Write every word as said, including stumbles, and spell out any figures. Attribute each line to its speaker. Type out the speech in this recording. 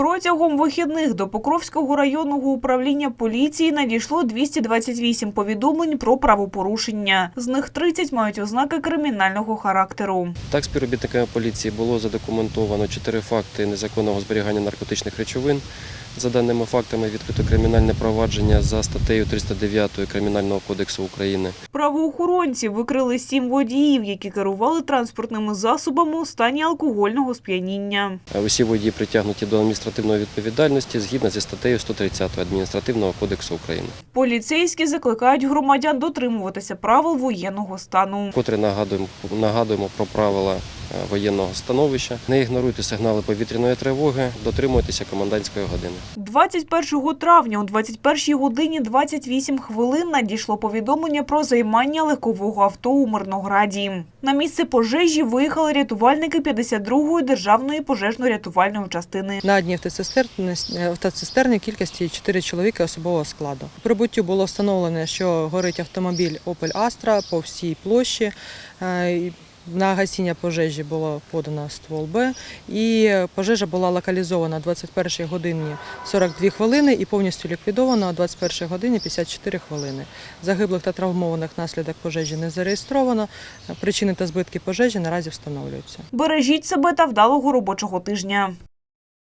Speaker 1: Протягом вихідних до Покровського районного управління поліції надійшло двісті двадцять вісім повідомлень про правопорушення. З них тридцять мають ознаки кримінального характеру.
Speaker 2: Так, співробітниками поліції було задокументовано чотири факти незаконного зберігання наркотичних речовин. За даними фактами відкрито кримінальне провадження за статтею триста дев'ять Кримінального кодексу України.
Speaker 1: Правоохоронці викрили сім водіїв, які керували транспортними засобами у стані алкогольного сп'яніння.
Speaker 2: Усі водії притягнуті до адміністративної відповідальності згідно зі статтею сто тридцять Адміністративного кодексу України.
Speaker 1: Поліцейські закликають громадян дотримуватися правил воєнного стану.
Speaker 2: Котре нагадуємо, нагадуємо про правила воєнного становища. Не ігноруйте сигнали повітряної тривоги, дотримуйтеся комендантської години.
Speaker 1: двадцять першого травня о двадцять першій годині двадцять вісім хвилин надійшло повідомлення про займання легкового авто у Мирнограді. На місце пожежі виїхали рятувальники п'ятдесят другої державної пожежно-рятувальної частини.
Speaker 3: На одній автоцистерні, автоцистерні кількості чотири чоловіки особового складу. При прибуттю було встановлено, що горить автомобіль Opel Astra по всій площі. На гасіння пожежі було подано ствол Б, і пожежа була локалізована о двадцять першій годині сорок дві хвилини і повністю ліквідована о двадцять першій годині п'ятдесят чотири хвилини. Загиблих та травмованих внаслідок пожежі не зареєстровано. Причини та збитки пожежі наразі встановлюються.
Speaker 1: Бережіть себе та вдалого робочого тижня.